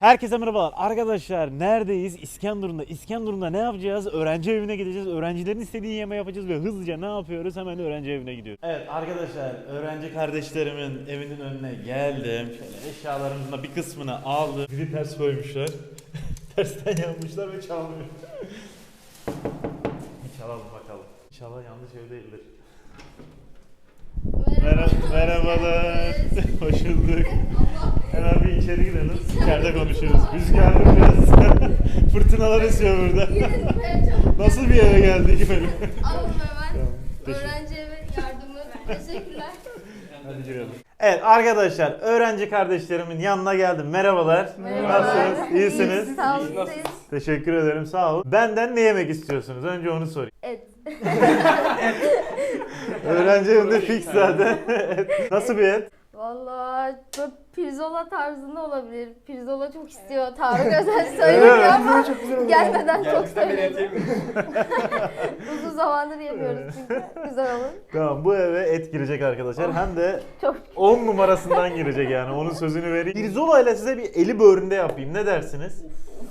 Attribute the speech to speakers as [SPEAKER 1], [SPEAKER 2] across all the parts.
[SPEAKER 1] Herkese merhabalar arkadaşlar, neredeyiz? İskenderun'da ne yapacağız? Öğrenci evine gideceğiz, öğrencilerin istediği yemeği yapacağız ve hızlıca ne yapıyoruz? Hemen öğrenci evine gidiyoruz. Evet arkadaşlar, öğrenci kardeşlerimin evinin önüne geldim. Şöyle eşyalarımızın bir kısmını aldım. Biri ters koymuşlar. Tersten yanmışlar ve çalmıyor. Bir çalalım bakalım. İnşallah yanlış ev değildir. Merhabalar. Hoş bulduk. Hemen bir içeri girelim. İçeride konuşuyoruz. Rüzgarlı biraz. Fırtınalar esiyor burada. Nasıl bir eve geldik böyle?
[SPEAKER 2] Alın hemen. Öğrenci evi yardımı. Teşekkürler.
[SPEAKER 1] Hadi girelim. Evet arkadaşlar, öğrenci kardeşlerimin yanına geldim. Merhabalar. Nasılsınız? İyisiniz?
[SPEAKER 2] Sağ olun.
[SPEAKER 1] Teşekkür ederim. Sağ olun. Benden ne yemek istiyorsunuz? Önce onu sorayım.
[SPEAKER 2] Et.
[SPEAKER 1] Öğrenci evinde fix zaten. Nasıl bir et?
[SPEAKER 2] Vallahi böyle pirzola tarzında olabilir. Pirzola çok istiyor. Tarık Özel söylemiyor ama gelmeden çok söyledi. Uzun zamandır yemiyoruz çünkü. Güzel olur.
[SPEAKER 1] Tamam, bu eve et girecek arkadaşlar. Hem de
[SPEAKER 2] Çok
[SPEAKER 1] 10 numarasından girecek yani. Onun sözünü vereyim. Pirzola ile size bir eli böğründe yapayım. Ne dersiniz?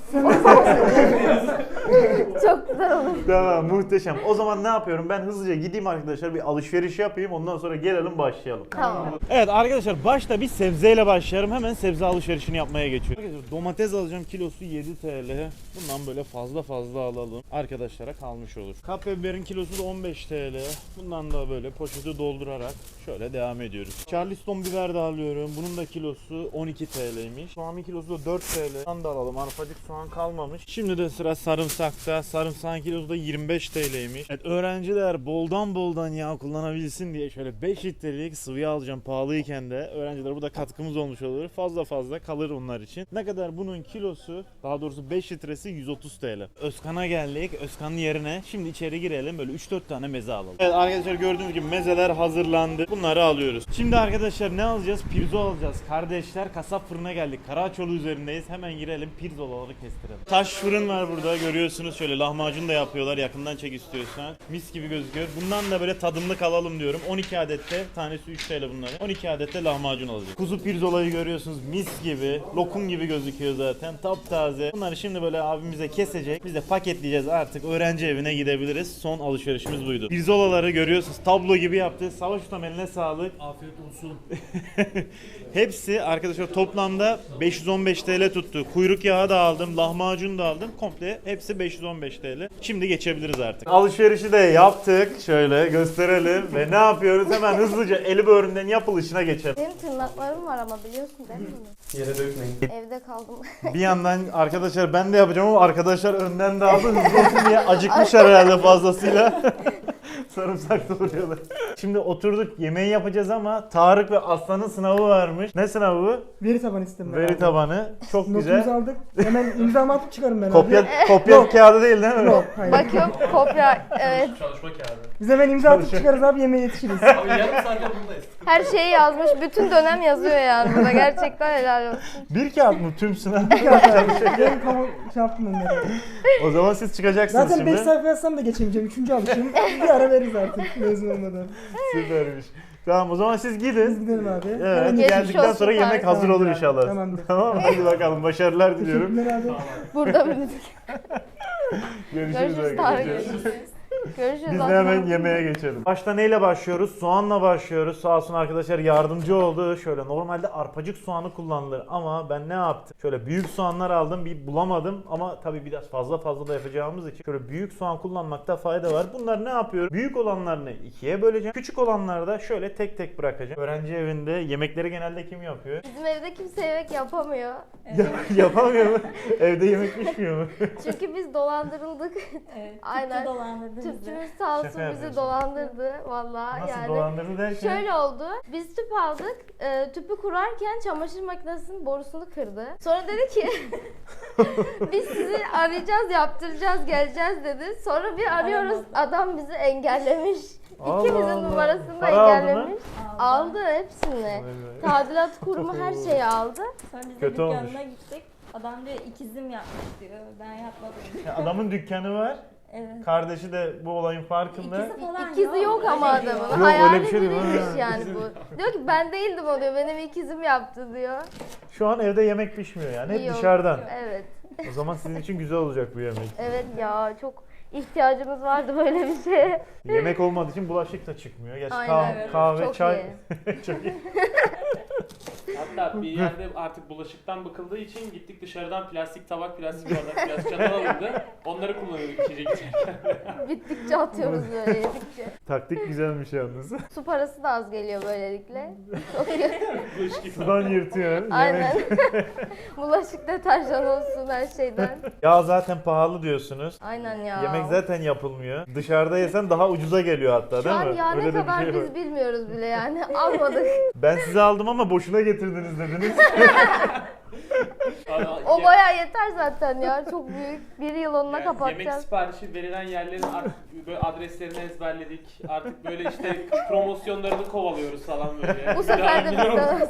[SPEAKER 2] çok güzel olur.
[SPEAKER 1] Tamam, muhteşem. O zaman ne yapıyorum? Ben hızlıca gideyim arkadaşlar, bir alışveriş yapayım. Ondan sonra gelelim, başlayalım.
[SPEAKER 2] Tamam.
[SPEAKER 1] Evet arkadaşlar, başta bir sebzeyle başlarım. Hemen sebze alışverişini yapmaya geçiyorum. Arkadaşlar, domates alacağım, kilosu 7 TL. Bundan böyle fazla alalım. Arkadaşlara kalmış olur. Kapya biberin kilosu da 15 TL. Bundan da böyle poşeti doldurarak şöyle devam ediyoruz. Charleston biber de alıyorum. Bunun da kilosu 12 TL'ymiş. Soğanın kilosu da 4 TL. Bundan da alalım. Arpacık soğan kalmamış. Şimdi de sıra sarımsakta. Sarımsağın kilosu da 25 TL'ymiş. Evet, öğrenciler boldan yağ kullanabilsin diye şöyle 5 litrelik sıvı alacağım, pahalıyken de. Öğrencilere bu da katkımız olmuş olur. Fazla kalır onlar için. Ne kadar bunun kilosu? Daha doğrusu 5 litresi 130 TL. Özkan'a geldik. Özkan'ın yerine şimdi içeri girelim. Böyle 3-4 tane meze alalım. Evet arkadaşlar, gördüğünüz gibi mezeler hazırlandı. Bunları alıyoruz. Şimdi arkadaşlar ne alacağız? Pirzola alacağız. Kardeşler, kasap fırına geldik. Karaçoğlu üzerindeyiz. Hemen girelim, pirzolaları kestirelim. Taş fırın var burada, görüyorsunuz. Şöyle lahmacun da yapıyorlar. Yakından çek istiyorsan. Mis gibi gözüküyor. Bundan da böyle tadımlık alalım diyorum. 12 adette, tanesi 3 TL bunların. 12 adette lahmacun alacağız. Kuzu pirzolayı görüyorsunuz. Mis gibi. Lokum gibi gözüküyor zaten. Taptaze. Bunları şimdi böyle abimize kesecek. Biz de paketleyeceğiz, artık öğrenci evine gidebiliriz. Son alışverişimiz buydu. Pirzolaları görüyorsunuz. Tablo gibi yaptı. Savaş Ustam, eline sağlık.
[SPEAKER 3] Afiyet olsun.
[SPEAKER 1] Hepsi arkadaşlar toplamda 515 TL tuttu. Kuyruk yağı da aldım, lahmacun da aldım. Komple hepsi 515 TL. Şimdi geçebiliriz artık. Alışverişi de yaptık. Şöyle gösterelim. Ve ne yapıyoruz? Hemen hızlıca eli böğründen yapılışına geçelim.
[SPEAKER 2] Benim tırnaklarım var ama biliyorsun değil mi?
[SPEAKER 3] Yere dökmeyin.
[SPEAKER 2] Evde kaldım.
[SPEAKER 1] Bir yandan arkadaşlar ben de yapacağım ama arkadaşlar önden de aldı. Hızlı olsun diye acıkmışlar herhalde fazlasıyla. Sarımsak doğruyorlar. Şimdi oturduk, yemeği yapacağız ama Tarık ve Aslan'ın sınavı varmış. Ne sınavı bu?
[SPEAKER 4] Veri tabanı istedim ben.
[SPEAKER 1] Veri tabanı. Çok
[SPEAKER 4] Notumuzu
[SPEAKER 1] güzel.
[SPEAKER 4] aldık. Hemen imzamı atıp çıkarım ben.
[SPEAKER 1] Kopya kağıdı değil mi?
[SPEAKER 4] Yok, hayır.
[SPEAKER 2] Bakıyorum kopya. Evet.
[SPEAKER 3] Çalışma kağıdı.
[SPEAKER 4] Biz hemen imza atıp çıkarız abi, yemeğe yetişiriz.
[SPEAKER 3] Abi yarım saatte buradayız.
[SPEAKER 2] Her şeyi yazmış. Bütün dönem yazıyor yani burada. Gerçekten helal olsun.
[SPEAKER 1] Bir kağıt mı tüm sınav?
[SPEAKER 4] Ben kamu şey yaptım onları.
[SPEAKER 1] O zaman siz çıkacaksınız
[SPEAKER 4] Zaten 5
[SPEAKER 1] şimdi.
[SPEAKER 4] sayfa yazsam da geçemeyeceğim. 3. alışım. Bir ara veririz artık mezun olmadan.
[SPEAKER 1] Süpermiş. Tamam, o zaman siz
[SPEAKER 4] Biz
[SPEAKER 1] gidin.
[SPEAKER 4] gidelim abi.
[SPEAKER 1] Evet,
[SPEAKER 4] Hemen
[SPEAKER 1] geldikten
[SPEAKER 2] olsun
[SPEAKER 1] sonra yemek
[SPEAKER 2] Tarık.
[SPEAKER 1] hazır olur
[SPEAKER 4] Tamamdır abi,
[SPEAKER 1] inşallah.
[SPEAKER 4] tamamdır.
[SPEAKER 1] Tamam mı? Hadi bakalım, başarılar diliyorum.
[SPEAKER 4] Teşekkürler abi.
[SPEAKER 2] Burada mıydık?
[SPEAKER 1] Görüşürüz
[SPEAKER 2] Görüşürüz Tarık.
[SPEAKER 1] arkadaşlar.
[SPEAKER 2] Görüşürüz.
[SPEAKER 1] Biz de
[SPEAKER 2] Aslan.
[SPEAKER 1] hemen yemeğe geçelim. Başta neyle başlıyoruz? Soğanla başlıyoruz. Sağ olsun arkadaşlar yardımcı oldu. Şöyle normalde arpacık soğanı kullanılır ama ben ne yaptım? Şöyle büyük soğanlar aldım, bir bulamadım ama tabii biraz fazla da yapacağımız için şöyle büyük soğan kullanmakta fayda var. Bunlar ne yapıyorum? Büyük olanlarını ikiye böleceğim. Küçük olanları da şöyle tek bırakacağım. Öğrenci evinde yemekleri genelde kim yapıyor?
[SPEAKER 2] Bizim evde kimse yemek yapamıyor.
[SPEAKER 1] Yapamıyor mu? Evde yemek pişmiyor mu?
[SPEAKER 2] Çünkü biz dolandırıldık.
[SPEAKER 5] Evet,
[SPEAKER 2] Aynen.
[SPEAKER 5] Tüpçü dolandırdı bizi.
[SPEAKER 2] Tüpçümüz sağ olsun
[SPEAKER 1] Şaka
[SPEAKER 2] bizi
[SPEAKER 1] yapıyorsun.
[SPEAKER 2] dolandırdı valla.
[SPEAKER 1] Nasıl
[SPEAKER 2] Yani
[SPEAKER 1] dolandırdı derken?
[SPEAKER 2] şöyle oldu. Biz tüp aldık. Tüpü kurarken çamaşır makinesinin borusunu kırdı. Sonra dedi ki biz sizi arayacağız, yaptıracağız, geleceğiz dedi. Sonra bir arıyoruz. Adam bizi engellemiş.
[SPEAKER 1] Allah
[SPEAKER 2] İkimizin
[SPEAKER 1] Allah.
[SPEAKER 2] numarasını da
[SPEAKER 1] Para aldı mı?
[SPEAKER 2] engellemiş. Aldı hepsini. Tadilat kurumu her şeyi aldı.
[SPEAKER 5] Sonra biz de
[SPEAKER 1] Kötü
[SPEAKER 5] dükkanına
[SPEAKER 1] olmuş.
[SPEAKER 5] gittik. Adam diyor ikizim yapmış diyor. Ben yapmadım.
[SPEAKER 1] Ya adamın dükkanı var.
[SPEAKER 2] Evet.
[SPEAKER 1] Kardeşi de bu olayın farkında.
[SPEAKER 5] İkisi falan
[SPEAKER 2] İkizi yok ama adamın.
[SPEAKER 1] öyle
[SPEAKER 2] Hayali
[SPEAKER 1] bir şey değil,
[SPEAKER 2] biriymiş
[SPEAKER 1] ha.
[SPEAKER 2] yani bu. Diyor ki ben değildim o diyor. Benim ikizim yaptı diyor.
[SPEAKER 1] Şu an evde yemek pişmiyor yani. Hep
[SPEAKER 2] Yok.
[SPEAKER 1] dışarıdan.
[SPEAKER 2] Evet.
[SPEAKER 1] O zaman sizin için güzel olacak bu yemek.
[SPEAKER 2] Evet ya çok ihtiyacımız vardı böyle bir şeye.
[SPEAKER 1] Yemek olmadığı için bulaşık da çıkmıyor. Gerçi
[SPEAKER 2] Aynen.
[SPEAKER 1] kahve,
[SPEAKER 2] Çok
[SPEAKER 1] çay.
[SPEAKER 2] iyi.
[SPEAKER 1] Çok iyi.
[SPEAKER 3] Hatta bir yerde artık bulaşıktan bıkıldığı için gittik dışarıdan plastik tabak, plastik bardak, plastik çatal alındı. Onları kullanıyorduk içecek içerken.
[SPEAKER 2] Bittikçe atıyoruz böyle yedikçe.
[SPEAKER 1] Taktik güzelmiş yalnız.
[SPEAKER 2] Su parası da az geliyor böylelikle. Çok iyi.
[SPEAKER 3] Bulaşık yıkama.
[SPEAKER 1] Sudan yırtıyor.
[SPEAKER 2] Aynen. Bulaşık deterjan olsun her şeyden.
[SPEAKER 1] Ya zaten pahalı diyorsunuz.
[SPEAKER 2] Aynen ya.
[SPEAKER 1] Yemek zaten yapılmıyor. Dışarıda yesen daha ucuza geliyor hatta
[SPEAKER 2] Şu
[SPEAKER 1] değil
[SPEAKER 2] an
[SPEAKER 1] mi?
[SPEAKER 2] ya
[SPEAKER 1] Öyle
[SPEAKER 2] ne
[SPEAKER 1] de bir
[SPEAKER 2] kadar
[SPEAKER 1] şey var.
[SPEAKER 2] biz bilmiyoruz bile yani. Almadık.
[SPEAKER 1] Ben size aldım ama boşuna getirdiniz dediniz.
[SPEAKER 2] O bayağı yeter zaten ya. Çok büyük. Bir yıl onunla
[SPEAKER 3] Yemek
[SPEAKER 2] kapatacağız.
[SPEAKER 3] siparişi verilen yerlerin artık böyle adreslerini ezberledik. Artık böyle işte promosyonlarını kovalıyoruz falan böyle.
[SPEAKER 2] Bu sefer de bizden.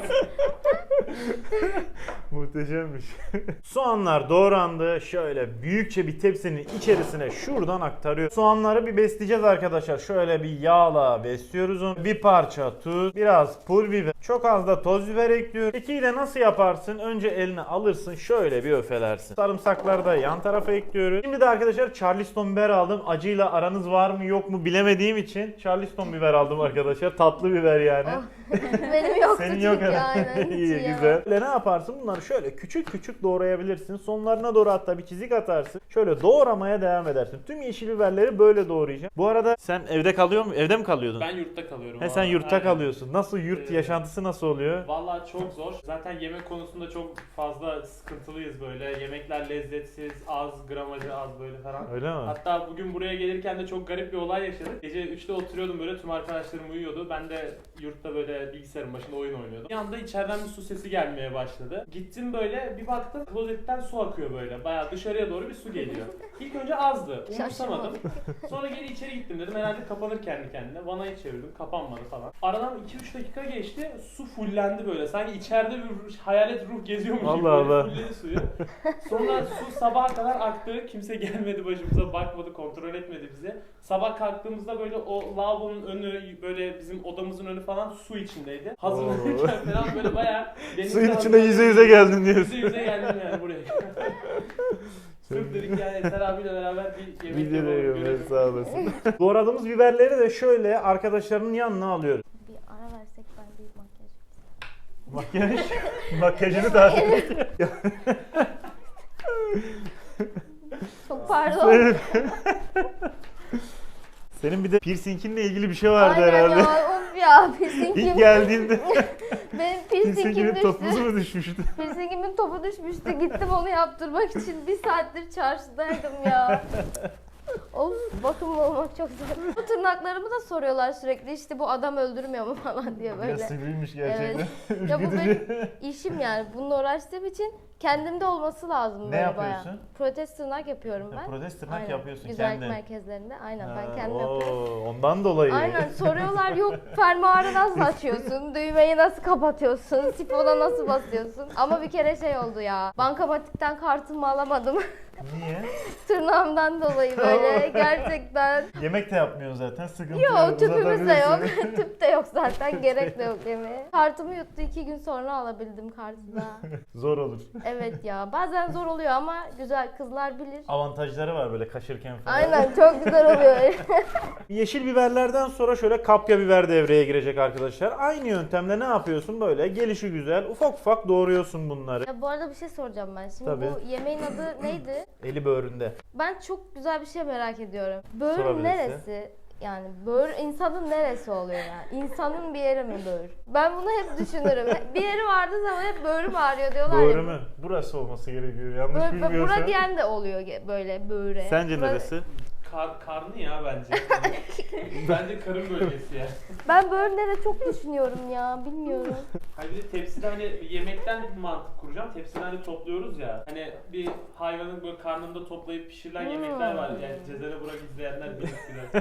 [SPEAKER 1] Muhteşemmiş. Soğanlar doğrandı. Şöyle büyükçe bir tepsinin içerisine şuradan aktarıyor. Soğanları bir besleyeceğiz arkadaşlar. Şöyle bir yağla besliyoruz onu. Bir parça tuz, biraz pul biber, çok az da toz biber ekliyoruz. Kekiği de nasıl yaparsın? Önce eline alırsın, şöyle bir öfelersin. Sarımsakları da yan tarafa ekliyoruz. Şimdi de arkadaşlar Charleston biber aldım. Acıyla aranız var mı yok mu bilemediğim için Charleston biber aldım arkadaşlar. Tatlı biber yani.
[SPEAKER 2] Benim yoktu
[SPEAKER 1] Senin
[SPEAKER 2] çünkü
[SPEAKER 1] yok herhalde.
[SPEAKER 2] aynen. Hiç
[SPEAKER 1] İyi
[SPEAKER 2] yiyemem.
[SPEAKER 1] güzel. Böyle ne yaparsın? Bunları şöyle küçük küçük doğrayabilirsin. Sonlarına doğru hatta bir çizik atarsın. Şöyle doğramaya devam edersin. Tüm yeşil biberleri böyle doğrayacaksın. Bu arada sen evde kalıyor mu? Evde mi kalıyordun?
[SPEAKER 3] Ben yurtta kalıyorum.
[SPEAKER 1] He sen
[SPEAKER 3] valla.
[SPEAKER 1] yurtta
[SPEAKER 3] Aynen.
[SPEAKER 1] kalıyorsun. Nasıl yurt yaşantısı nasıl oluyor?
[SPEAKER 3] Vallahi çok zor. Zaten yemek konusunda çok fazla sıkıntılıyız böyle. Yemekler lezzetsiz, az, gramajı az böyle falan.
[SPEAKER 1] Öyle mi?
[SPEAKER 3] Hatta bugün buraya gelirken de çok garip bir olay yaşadık. Gece 3'te oturuyordum böyle, tüm arkadaşlarım uyuyordu. Ben de yurtta böyle bilgisayarın başında oyun oynuyordum. Bir anda içeriden bir su sesi gelmeye başladı. Gittim böyle, bir baktım klozetten su akıyor böyle. Bayağı dışarıya doğru bir su geliyor. İlk önce azdı. Umursamadım. Sonra geri içeri gittim, dedim herhalde kapanır kendi kendine. Vanayı çevirdim, kapanmadı falan. Aradan 2-3 dakika geçti. Su fullendi böyle. Sanki içeride bir hayalet ruh geziyormuş gibi
[SPEAKER 1] Allah
[SPEAKER 3] böyle
[SPEAKER 1] Allah.
[SPEAKER 3] fulledi suyu. Sonra su sabaha kadar aktı. Kimse gelmedi başımıza, bakmadı, kontrol etmedi bizi. Sabah kalktığımızda böyle o lavabonun önü, böyle bizim odamızın önü falan su içindeydi. Hazırlanırken falan böyle bayağı denizde
[SPEAKER 1] Suyun içinde yüze yüze geldin diyorsun.
[SPEAKER 3] Yüze yüze geldim yani buraya. Sırf dedik yani Eser abiyle beraber bir yemek
[SPEAKER 1] Video
[SPEAKER 3] yapalım.
[SPEAKER 1] diyorum,
[SPEAKER 3] görelim.
[SPEAKER 1] sağ olasın. Doğradığımız biberleri de şöyle arkadaşlarının yanına alıyoruz.
[SPEAKER 2] Bir ara versek ben bir makyaj.
[SPEAKER 1] Makyaj, makyajını takip et.
[SPEAKER 2] Çok pardon.
[SPEAKER 1] Senin bir de piercinginle ilgili bir şey vardı
[SPEAKER 2] Aynen
[SPEAKER 1] herhalde.
[SPEAKER 2] ya of ya piercingim.
[SPEAKER 1] İlk geldiğinde
[SPEAKER 2] Benim piercingim
[SPEAKER 1] piercinginin
[SPEAKER 2] düştü.
[SPEAKER 1] topuzu mu düşmüştü?
[SPEAKER 2] Piercingimin topu düşmüştü. Gittim onu yaptırmak için bir saattir çarşıdaydım ya. Of bakımlı olmak çok zor. Bu tırnaklarımı da soruyorlar sürekli işte bu adam öldürmüyor mu falan diye
[SPEAKER 1] Ya
[SPEAKER 2] böyle.
[SPEAKER 1] sivriymiş gerçekten.
[SPEAKER 2] Ya bu benim işim yani. Bununla uğraştığım için kendimde olması lazım
[SPEAKER 1] Ne
[SPEAKER 2] böyle
[SPEAKER 1] yapıyorsun?
[SPEAKER 2] bayağı. Protez tırnak yapıyorum ben.
[SPEAKER 1] Protez tırnak
[SPEAKER 2] Aynen.
[SPEAKER 1] yapıyorsun
[SPEAKER 2] Güzellik
[SPEAKER 1] kendin.
[SPEAKER 2] merkezlerinde. Aynen ben
[SPEAKER 1] Ha,
[SPEAKER 2] kendim yapıyorum.
[SPEAKER 1] Ondan dolayı.
[SPEAKER 2] Aynen soruyorlar yok fermuarı nasıl açıyorsun, düğmeyi nasıl kapatıyorsun, sifona nasıl basıyorsun. Ama bir kere şey oldu ya, bankamatikten kartımı alamadım.
[SPEAKER 1] Niye?
[SPEAKER 2] Tırnağımdan dolayı böyle gerçekten.
[SPEAKER 1] Yemek de yapmıyorsun zaten, sıkıntı
[SPEAKER 2] Yok tüpümüz de yok,
[SPEAKER 1] uzatabilirsin.
[SPEAKER 2] tüp de yok zaten, gerek de yok yemeğe. Kartımı yuttu 2 gün sonra alabildim kartı da.
[SPEAKER 1] Zor olur.
[SPEAKER 2] Evet ya bazen zor oluyor ama güzel kızlar bilir.
[SPEAKER 1] Avantajları var böyle kaşırken falan.
[SPEAKER 2] Aynen çok güzel oluyor.
[SPEAKER 1] Yeşil biberlerden sonra şöyle kapya biber devreye girecek arkadaşlar. Aynı yöntemle ne yapıyorsun böyle? Gelişi güzel ufak ufak doğruyorsun bunları.
[SPEAKER 2] Ya bu arada bir şey soracağım ben. Şimdi
[SPEAKER 1] Tabii.
[SPEAKER 2] bu yemeğin adı neydi?
[SPEAKER 1] Eli böğründe.
[SPEAKER 2] Ben çok güzel bir şey merak ediyorum. Böğür
[SPEAKER 1] Sorabilirsin.
[SPEAKER 2] neresi? Yani böğür insanın neresi oluyor yani? İnsanın bir yeri mi böğür? Ben bunu hep düşünürüm. Bir yeri vardığı zaman hep böğrüm ağrıyor diyorlar ya.
[SPEAKER 1] Böğrü mü? Burası olması gerekiyor yanlış
[SPEAKER 2] Bura
[SPEAKER 1] bilmiyorsam.
[SPEAKER 2] diyen de oluyor böyle böğre.
[SPEAKER 1] Sence
[SPEAKER 2] Bura-
[SPEAKER 1] neresi?
[SPEAKER 3] Karnı ya bence. Bence karın bölgesi ya.
[SPEAKER 2] Ben böğürlere çok düşünüyorum ya bilmiyorum.
[SPEAKER 3] Hani bir de tepside hani yemekten bir mantık kuracağım. Tepsiden hani topluyoruz ya. Hani bir hayvanın böyle karnında toplayıp pişirilen yemekler var. Yani Cezene Burak izleyenler bilir.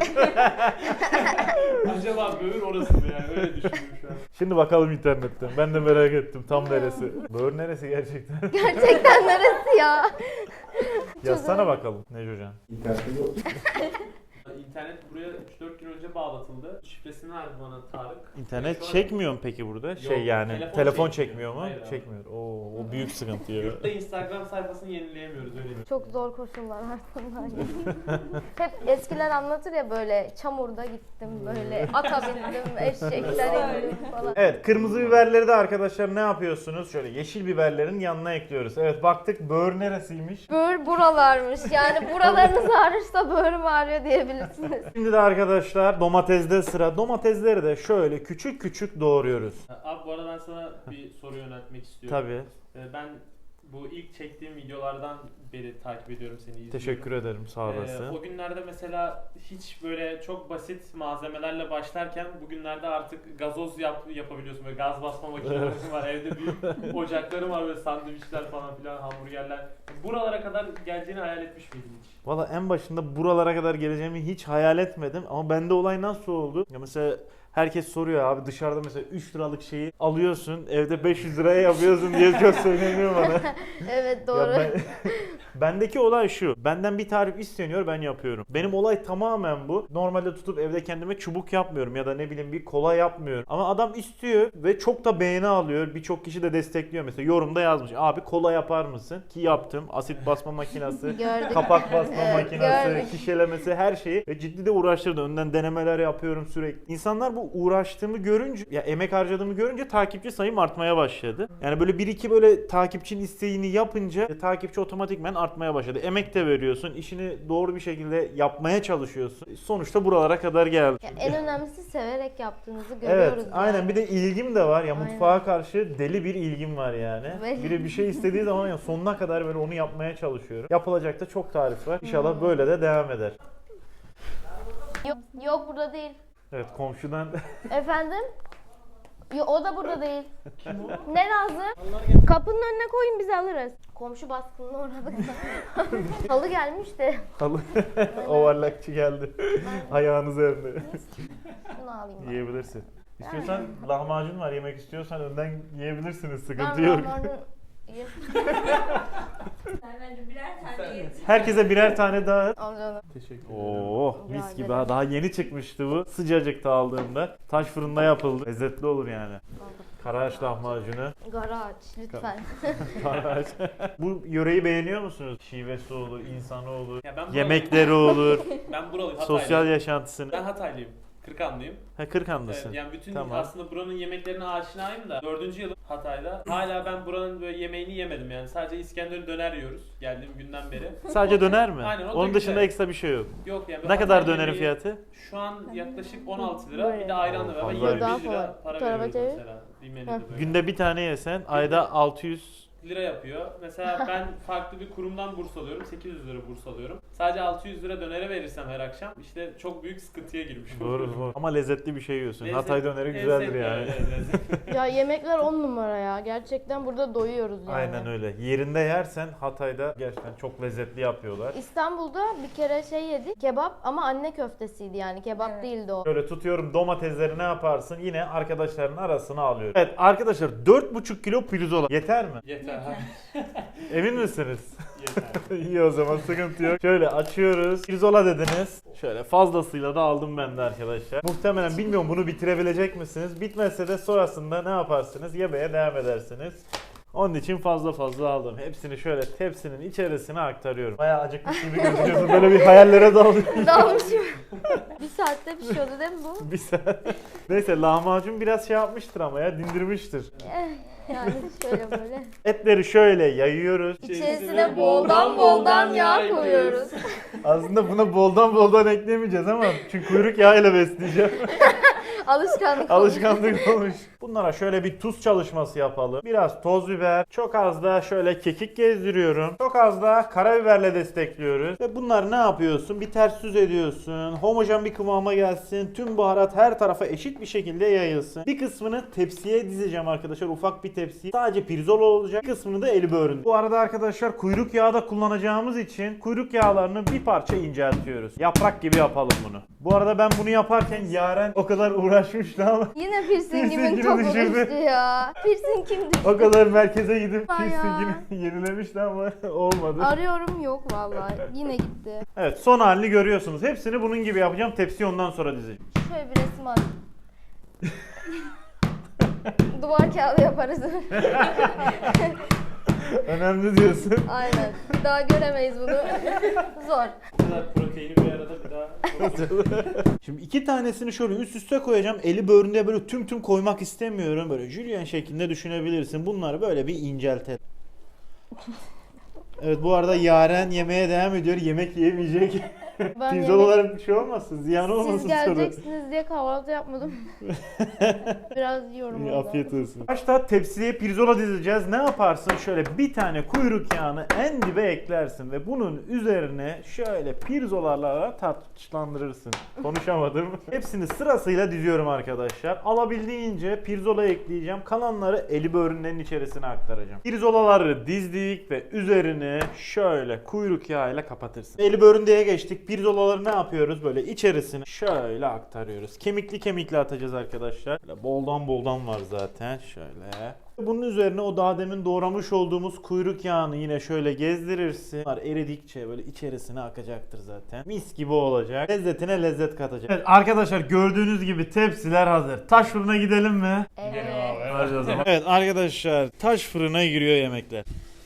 [SPEAKER 3] Acaba böğür orası mı yani? Öyle düşündüm şu an.
[SPEAKER 1] Şimdi bakalım internetten. Ben de merak ettim tam neresi. Böğür neresi gerçekten?
[SPEAKER 2] Gerçekten neresi ya?
[SPEAKER 1] Yazsana bakalım Necocan.
[SPEAKER 4] İnternette yok.
[SPEAKER 3] İnternet buraya 3-4 gün önce bağlatıldı. Şifresini verdi bana Tarık.
[SPEAKER 1] İnternet
[SPEAKER 3] Şu an-
[SPEAKER 1] çekmiyor mu peki burada?
[SPEAKER 3] Yok,
[SPEAKER 1] Şey yani
[SPEAKER 3] telefon
[SPEAKER 1] telefon
[SPEAKER 3] çekmiyor.
[SPEAKER 1] çekmiyor mu?
[SPEAKER 3] Hayır abi.
[SPEAKER 1] Çekmiyor. Oo, o büyük sıkıntı ya.
[SPEAKER 3] Yurtta Instagram sayfasını yenileyemiyoruz öyle diyeyim.
[SPEAKER 2] Çok zor koşullar altında. Hep eskiler anlatır ya böyle çamurda gittim böyle ata bindim eşekler indim falan.
[SPEAKER 1] Evet, kırmızı biberleri de arkadaşlar ne yapıyorsunuz? Şöyle yeşil biberlerin yanına ekliyoruz. Evet, baktık böğür neresiymiş?
[SPEAKER 2] Böğür buralarmış yani buralarınız ağrırsa böğrüm ağrıyor diyebilirsiniz.
[SPEAKER 1] Şimdi de arkadaşlar domatesde sıra. Domatesleri de şöyle küçük küçük doğruyoruz.
[SPEAKER 3] Abi bu arada ben sana bir soru yöneltmek istiyorum.
[SPEAKER 1] Tabii.
[SPEAKER 3] Ben bu ilk çektiğim videolardan beri takip ediyorum seni, izliyorum.
[SPEAKER 1] Teşekkür ederim, sağ olasın.
[SPEAKER 3] O günlerde mesela hiç böyle çok basit malzemelerle başlarken bugünlerde artık gazoz yapabiliyorsun. Böyle gaz basma makineleri var. Evde büyük ocaklarım var, böyle sandviçler falan filan, hamburgerler. Buralara kadar geleceğini hayal etmiş miydin hiç?
[SPEAKER 1] Valla en başında buralara kadar geleceğimi hiç hayal etmedim ama bende olay nasıl oldu? Ya mesela herkes soruyor abi, dışarıda mesela 3 liralık şeyi alıyorsun evde 500 liraya yapıyorsun diye çok söyleniyor bana.
[SPEAKER 2] Evet doğru.
[SPEAKER 1] Ya bendeki olay şu. Benden bir tarif isteniyor, ben yapıyorum. Benim olay tamamen bu. Normalde tutup evde kendime çubuk yapmıyorum ya da ne bileyim bir kola yapmıyorum. Ama adam istiyor ve çok da beğeni alıyor. Birçok kişi de destekliyor. Mesela yorumda yazmış. Abi kola yapar mısın? Ki yaptım. Asit basma makinesi,
[SPEAKER 2] Gördük.
[SPEAKER 1] kapak basma
[SPEAKER 2] Evet,
[SPEAKER 1] makinesi,
[SPEAKER 2] gördük.
[SPEAKER 1] şişelemesi, her şeyi. Ve ciddi de uğraştırdı. Önden denemeler yapıyorum sürekli. İnsanlar bu uğraştığımı görünce, ya emek harcadığımı görünce takipçi sayım artmaya başladı. Yani böyle bir iki böyle takipçinin isteğini yapınca takipçi otomatikmen artmaya başladı. Emek de veriyorsun, işini doğru bir şekilde yapmaya çalışıyorsun. Sonuçta buralara kadar geldi.
[SPEAKER 2] Ya en önemlisi severek yaptığınızı
[SPEAKER 1] Evet,
[SPEAKER 2] görüyoruz
[SPEAKER 1] aynen.
[SPEAKER 2] yani.
[SPEAKER 1] Bir de ilgim de var. Ya
[SPEAKER 2] Aynen.
[SPEAKER 1] mutfağa karşı deli bir ilgim var yani.
[SPEAKER 2] Belli.
[SPEAKER 1] Biri bir şey istediği zaman ya sonuna kadar böyle onu yapmaya çalışıyorum. Yapılacak da çok tarif var. İnşallah böyle de devam eder.
[SPEAKER 2] Yok burada değil.
[SPEAKER 1] Evet, komşudan
[SPEAKER 2] Efendim? O da burada değil. Ne lazım? Kapının önüne koyun biz alırız. Komşu baskınına uğradık da. Halı gelmiş de.
[SPEAKER 1] halı ovarlakçı geldi. Ayağınız önde.
[SPEAKER 2] Şunu alayım ben.
[SPEAKER 1] Yiyebilirsin. İstiyorsan lahmacun var, yemek istiyorsan önden yiyebilirsiniz. Sıkıntı
[SPEAKER 2] Ben
[SPEAKER 1] yok.
[SPEAKER 2] lahmacun
[SPEAKER 5] Sen bence birer tane yedim.
[SPEAKER 1] Herkese birer tane daha.
[SPEAKER 2] Al canım.
[SPEAKER 3] Teşekkür
[SPEAKER 1] Oo, mis
[SPEAKER 2] Rica
[SPEAKER 1] gibi
[SPEAKER 2] ederim.
[SPEAKER 1] ha. Daha yeni çıkmıştı bu. Sıcacıkta aldığımda. Taş fırında yapıldı. Lezzetli olur yani. Karaağaç lahmacunu.
[SPEAKER 2] Garaj lütfen.
[SPEAKER 1] Karaağaç. Bu yöreyi beğeniyor musunuz? Şivesi olur, insanı olur.
[SPEAKER 3] Ya ben buralıyım.
[SPEAKER 1] Yemekleri olur.
[SPEAKER 3] Ben buralıyım, Hataylıyım.
[SPEAKER 1] Sosyal yaşantısını.
[SPEAKER 3] Ben Hataylıyım. Kırkanlıyım.
[SPEAKER 1] Ha, Kırkanlısın.
[SPEAKER 3] Evet, yani bütün
[SPEAKER 1] Tamam.
[SPEAKER 3] aslında buranın yemeklerine aşinayım da 4. yılım Hatay'da. Hala ben buranın böyle yemeğini yemedim yani. Sadece İskender'i döner yiyoruz geldiğim günden beri.
[SPEAKER 1] Sadece döner mi?
[SPEAKER 3] Aynen, o da
[SPEAKER 1] Onun dışında
[SPEAKER 3] güzel.
[SPEAKER 1] ekstra bir şey yok.
[SPEAKER 3] Yok yani.
[SPEAKER 1] Ne kadar
[SPEAKER 3] Hatay
[SPEAKER 1] dönerin
[SPEAKER 3] yemeği
[SPEAKER 1] fiyatı?
[SPEAKER 3] Şu an yaklaşık 16 lira. Bir de ayranla beraber
[SPEAKER 1] Fazla.
[SPEAKER 3] 21
[SPEAKER 2] Daha
[SPEAKER 3] lira
[SPEAKER 2] kolay.
[SPEAKER 3] para
[SPEAKER 2] Bu tarafa
[SPEAKER 3] veriyoruz
[SPEAKER 2] çevir.
[SPEAKER 3] mesela. Bir menüde böyle.
[SPEAKER 1] Günde bir tane yesen ayda 600
[SPEAKER 3] lira yapıyor. Mesela ben farklı bir kurumdan burs alıyorum. 800 lira burs alıyorum. Sadece 600 lira dönere verirsem her akşam işte çok büyük sıkıntıya girmiş
[SPEAKER 1] Doğru
[SPEAKER 3] oluyorum.
[SPEAKER 1] doğru. Ama lezzetli bir şey yiyorsun.
[SPEAKER 3] Lezzet-
[SPEAKER 1] Hatay döneri güzeldir
[SPEAKER 3] lezzetli,
[SPEAKER 1] yani.
[SPEAKER 3] evet, lezzetli.
[SPEAKER 2] Ya yemekler 10 numara ya. Gerçekten burada doyuyoruz yani.
[SPEAKER 1] Aynen öyle. Yerinde yersen Hatay'da gerçekten çok lezzetli yapıyorlar.
[SPEAKER 2] İstanbul'da bir kere şey yedik. Kebap ama anne köftesiydi yani. Kebap
[SPEAKER 5] Evet.
[SPEAKER 2] değildi o.
[SPEAKER 1] Şöyle tutuyorum, domatesleri ne yaparsın? Yine arkadaşların arasına alıyorum. Evet arkadaşlar, 4,5 kilo pirzola. Yeter mi?
[SPEAKER 3] Yeter.
[SPEAKER 1] Emin misiniz?
[SPEAKER 3] Yeter.
[SPEAKER 1] İyi, o zaman sıkıntı yok. Şöyle açıyoruz. Pirzola dediniz. Şöyle fazlasıyla da aldım ben de arkadaşlar. Muhtemelen bilmiyorum bunu bitirebilecek misiniz? Bitmezse de sonrasında ne yaparsınız? Yemeye devam edersiniz. Onun için fazla fazla aldım. Hepsini şöyle tepsinin içerisine aktarıyorum. Bayağı acıkmış gibi gözüküyorsun. Böyle bir hayallere dalıyorsun.
[SPEAKER 2] Dalmışım. Bir saatte pişiyordu değil mi bu?
[SPEAKER 1] Bir saat. Neyse, lahmacun biraz şey yapmıştır ama ya, dindirmiştir.
[SPEAKER 2] Yani şöyle böyle.
[SPEAKER 1] Etleri şöyle yayıyoruz.
[SPEAKER 2] İçerisine boldan yağ koyuyoruz.
[SPEAKER 1] Aslında buna boldan eklemeyeceğiz ama çünkü kuyruk yağıyla besleyeceğim.
[SPEAKER 2] Alışkanlık olmuş.
[SPEAKER 1] Alışkanlık olmuş. Bunlara şöyle bir tuz çalışması yapalım. Biraz toz biber, çok az da şöyle kekik gezdiriyorum. Çok az da karabiberle destekliyoruz. Ve bunları ne yapıyorsun? Bir ters düz ediyorsun. Homojen bir kıvama gelsin. Tüm baharat her tarafa eşit bir şekilde yayılsın. Bir kısmını tepsiye dizeceğim arkadaşlar. Ufak bir tepsi. Sadece pirzola olacak. Bir kısmını da eli böğründe. Bu arada arkadaşlar kuyruk yağı da kullanacağımız için kuyruk yağlarını bir parça inceltiyoruz. Yaprak gibi yapalım bunu. Bu arada ben bunu yaparken Yaren o kadar uğraştı uğraşmıştı ama
[SPEAKER 2] Yine piercingimin
[SPEAKER 1] Piercingini
[SPEAKER 2] topu
[SPEAKER 1] düşürdü.
[SPEAKER 2] düştü ya. Piercing kim düştü?
[SPEAKER 1] o kadar merkeze gidip
[SPEAKER 2] Vay ya.
[SPEAKER 1] piercingini yenilemişti ama olmadı.
[SPEAKER 2] Arıyorum yok vallahi. Yine gitti.
[SPEAKER 1] Evet, son halini görüyorsunuz. Hepsini bunun gibi yapacağım. Tepsiyi ondan sonra dizeceğim.
[SPEAKER 2] Şöyle bir resim at. Duvar kağıdı yaparız.
[SPEAKER 1] Önemli diyorsun.
[SPEAKER 2] Aynen. Bir daha göremeyiz bunu. Zor.
[SPEAKER 3] Bu kadar proteini bir arada bir daha.
[SPEAKER 1] Şimdi 2 tanesini şöyle üst üste koyacağım. Eli böğründe böyle tüm koymak istemiyorum. Böyle jülyen şeklinde düşünebilirsin. Bunları böyle bir inceltelim. Evet, bu arada Yaren yemeğe devam ediyor. Yemek yiyemeyecek.
[SPEAKER 2] Ben
[SPEAKER 1] Pirzol
[SPEAKER 2] yemek-
[SPEAKER 1] olarak bir şey olmasın. Ziyan olmasın
[SPEAKER 2] Siz
[SPEAKER 1] sonra.
[SPEAKER 2] geleceksiniz diye kahvaltı yapmadım. Biraz yiyorum
[SPEAKER 1] İyi,
[SPEAKER 2] orada.
[SPEAKER 1] afiyet olsun. Başta tepsiye pirzola dizeceğiz. Ne yaparsın? Şöyle bir tane kuyruk yağını en dibe eklersin ve bunun üzerine şöyle pirzolalarla taçlandırırsın. Konuşamadım. Hepsini sırasıyla diziyorum arkadaşlar. Alabildiğince pirzola ekleyeceğim. Kalanları eli böğrünlerin içerisine aktaracağım. Pirzolaları dizdik ve üzerini şöyle kuyruk yağıyla kapatırsın. Eli böğründeye geçtik. Pirzolaları ne yapıyoruz? Böyle içerisine şöyle aktarıyoruz. Kemikli atacağız arkadaşlar. Böyle boldan var zaten. Şöyle. Bunun üzerine o daha demin doğramış olduğumuz kuyruk yağını yine şöyle gezdirirsin. Bunlar eridikçe böyle içerisine akacaktır zaten. Mis gibi olacak. Lezzetine lezzet katacak. Evet arkadaşlar, gördüğünüz gibi tepsiler hazır. Taş fırına gidelim mi?
[SPEAKER 2] Evet.
[SPEAKER 1] Hadi o zaman. Evet arkadaşlar, taş fırına giriyor yemekler.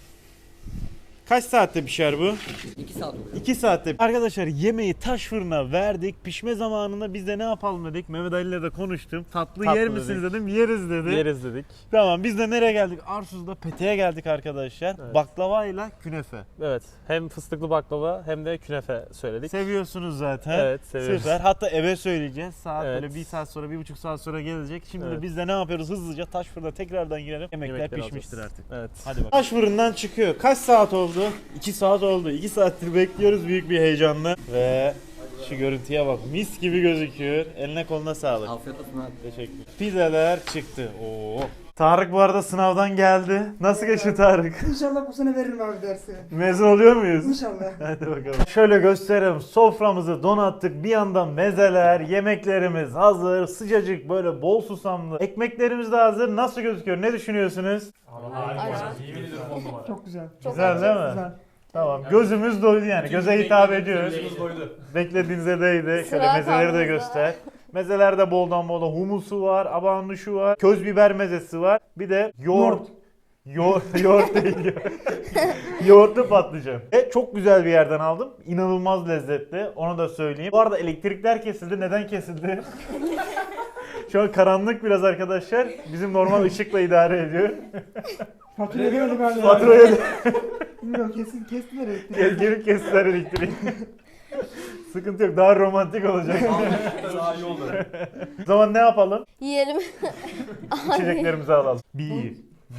[SPEAKER 1] Kaç saatte pişer bu?
[SPEAKER 6] 2 saat oluyor.
[SPEAKER 1] 2 saatte. Arkadaşlar, yemeği taş fırına verdik. Pişme zamanında biz de ne yapalım dedik. Mehmet Ali ile de konuştum. Tatlı yer misiniz dedim. Yeriz dedi.
[SPEAKER 7] Yeriz dedik.
[SPEAKER 1] Tamam, biz de nereye geldik? Arsuz'da Pete'ye geldik arkadaşlar.
[SPEAKER 7] Evet.
[SPEAKER 1] Baklavayla künefe.
[SPEAKER 7] Evet. Hem fıstıklı baklava hem de künefe söyledik.
[SPEAKER 1] Seviyorsunuz zaten.
[SPEAKER 7] Evet, seviyoruz.
[SPEAKER 1] Süper. Hatta eve söyleyeceğiz. Saat
[SPEAKER 7] Evet.
[SPEAKER 1] böyle 1 saat sonra, 1,5 saat sonra gelecek. Şimdi de
[SPEAKER 7] Evet.
[SPEAKER 1] biz de ne yapıyoruz? Hızlıca taş fırına tekrardan girelim. Yemekler
[SPEAKER 7] Yemekleri
[SPEAKER 1] pişmiştir
[SPEAKER 7] alacağız.
[SPEAKER 1] artık.
[SPEAKER 7] Evet.
[SPEAKER 1] Hadi bakalım. Taş fırından çıkıyor. Kaç saat oldu? 2 saat oldu. 2 saattir bekliyoruz büyük bir heyecanla. Ve şu görüntüye bak. Mis gibi gözüküyor. Eline koluna sağlık.
[SPEAKER 6] Afiyet olsun abi.
[SPEAKER 1] Teşekkür. Pizzalar çıktı. Oo. Tarık bu arada sınavdan geldi. Nasıl geçti Tarık?
[SPEAKER 4] İnşallah bu sene veririm abi dersi.
[SPEAKER 1] Mezun oluyor muyuz?
[SPEAKER 4] İnşallah.
[SPEAKER 1] Hadi bakalım. Şöyle gösterelim. Soframızı donattık. Bir yandan mezeler, yemeklerimiz hazır. Sıcacık böyle bol susamlı. Ekmeklerimiz de hazır. Nasıl gözüküyor? Ne düşünüyorsunuz?
[SPEAKER 3] Yemin ediyorum 10 numara.
[SPEAKER 4] Çok güzel.
[SPEAKER 2] Çok
[SPEAKER 1] Güzel
[SPEAKER 2] acı.
[SPEAKER 1] değil mi?
[SPEAKER 4] Güzel.
[SPEAKER 1] Tamam. Gözümüz doydu yani. Göze hitap ediyor.
[SPEAKER 3] Gözümüz doydu.
[SPEAKER 1] Beklediğinize değdi. Şöyle
[SPEAKER 2] Sıra
[SPEAKER 1] mezeleri de
[SPEAKER 2] kalmamızda.
[SPEAKER 1] göster. Mezelerde boldan bola humusu var, abanduşu var, köz biber mezesi var. Bir de yoğurt. Yoğurt değil. Yoğurtlu patlıcan. Çok güzel bir yerden aldım. İnanılmaz lezzetli. Onu da söyleyeyim. Bu arada elektrikler kesildi. Neden kesildi? Şu an karanlık biraz arkadaşlar. Bizim normal ışıkla idare ediyor.
[SPEAKER 4] Fatura ödemedim galiba.
[SPEAKER 1] Faturayı da
[SPEAKER 4] Bilmiyorum kestiler elektriği.
[SPEAKER 1] gelip kestiler elektriği. Sıkıntı yok. Daha romantik olacak.
[SPEAKER 3] Daha iyi oldu.
[SPEAKER 1] O zaman ne yapalım?
[SPEAKER 2] Yiyelim.
[SPEAKER 1] İçeceklerimizi alalım. Bir,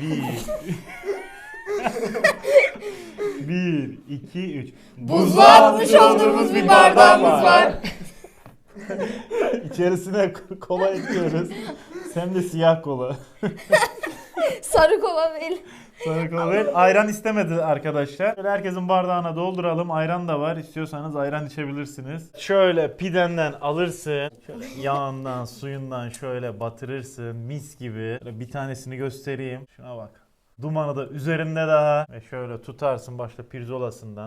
[SPEAKER 1] iki, üç.
[SPEAKER 2] Buzluğa atmış olduğumuz bir bardağımız var.
[SPEAKER 1] İçerisine kola ekliyoruz. Hem de siyah kola.
[SPEAKER 2] Sarı kola değil.
[SPEAKER 1] Sarı kola değil. Ayran istemedi arkadaşlar. Şöyle herkesin bardağına dolduralım. Ayran da var. İstiyorsanız ayran içebilirsiniz. Şöyle pidenden alırsın. Şöyle yağından, suyundan şöyle batırırsın. Mis gibi. Şöyle bir tanesini göstereyim. Şuna bak. Dumanı da üzerinde daha. Ve şöyle tutarsın başta pirzolasından.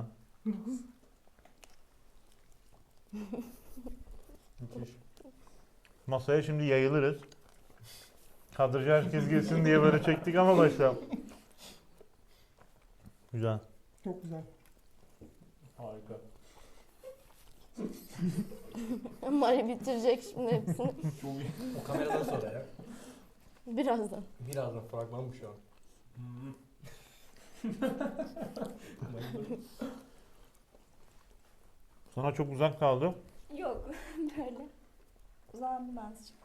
[SPEAKER 1] Masaya şimdi yayılırız. Kadraja herkes girsin diye böyle çektik ama başta. Güzel.
[SPEAKER 4] Çok güzel.
[SPEAKER 3] Harika.
[SPEAKER 2] Mari bitirecek şimdi hepsini.
[SPEAKER 6] O kameradan sonra ya.
[SPEAKER 2] Birazdan.
[SPEAKER 6] Birazdan fragman bu şu an.
[SPEAKER 1] Sana çok uzak kaldı.
[SPEAKER 5] Yok böyle. Uzandım azıcık.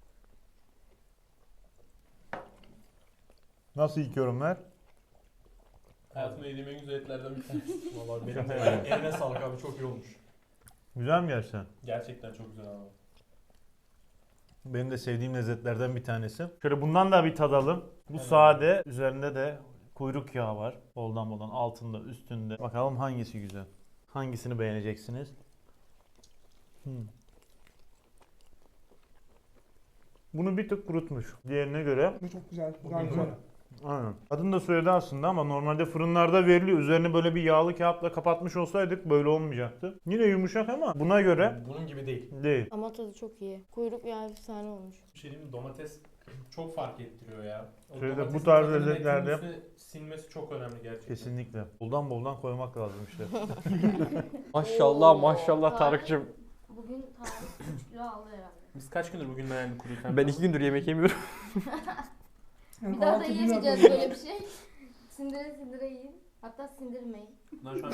[SPEAKER 1] Nasıl ilk yorumlar?
[SPEAKER 3] Hayatımda yediğim en güzel etlerden bir tanesi.
[SPEAKER 6] Vallahi benim de eline sağlık abi, çok iyi olmuş.
[SPEAKER 1] Güzel mi gerçekten?
[SPEAKER 3] Gerçekten çok güzel abi.
[SPEAKER 1] Benim de sevdiğim lezzetlerden bir tanesi. Şöyle bundan da bir tadalım. Bu
[SPEAKER 3] Evet.
[SPEAKER 1] sade. Üzerinde de kuyruk yağı var. Boldan boldan altında, üstünde. Bakalım hangisi güzel. Hangisini beğeneceksiniz? Bunu bir tık kurutmuş diğerine göre.
[SPEAKER 4] Bu çok güzel. Bu daha güzel.
[SPEAKER 1] Aynen. Adını da söyledi aslında ama normalde fırınlarda veriliyor. Üzerine böyle bir yağlı kağıtla kapatmış olsaydık böyle olmayacaktı. Yine yumuşak ama buna göre
[SPEAKER 6] Bunun gibi değil.
[SPEAKER 1] değil.
[SPEAKER 2] Ama tadı çok iyi. Kuyruk yağı efsane olmuş.
[SPEAKER 3] Bir şey diyeyim mi? Domates çok fark ettiriyor ya. O
[SPEAKER 1] Şöyle
[SPEAKER 3] domatesin
[SPEAKER 1] bu tarz
[SPEAKER 3] tadının
[SPEAKER 1] lezzetlerde-
[SPEAKER 3] etin üstüne sinmesi çok önemli gerçekten.
[SPEAKER 1] Kesinlikle. Boldan koymak lazım işte.
[SPEAKER 7] Maşallah maşallah Tarık'cığım.
[SPEAKER 2] Bugün Tarık 3 kilo aldı herhalde.
[SPEAKER 3] Biz kaç gündür bugün yani kuruyken?
[SPEAKER 7] Ben 2 gündür yemek yemiyorum.
[SPEAKER 4] Yani
[SPEAKER 2] Bir daha da
[SPEAKER 4] kahvaltı
[SPEAKER 2] yiyemeyeceğiz
[SPEAKER 4] bilmiyorum.
[SPEAKER 2] böyle bir şey. Sindire sindire yiyin. Hatta sindirmeyin.
[SPEAKER 3] Bundan şu an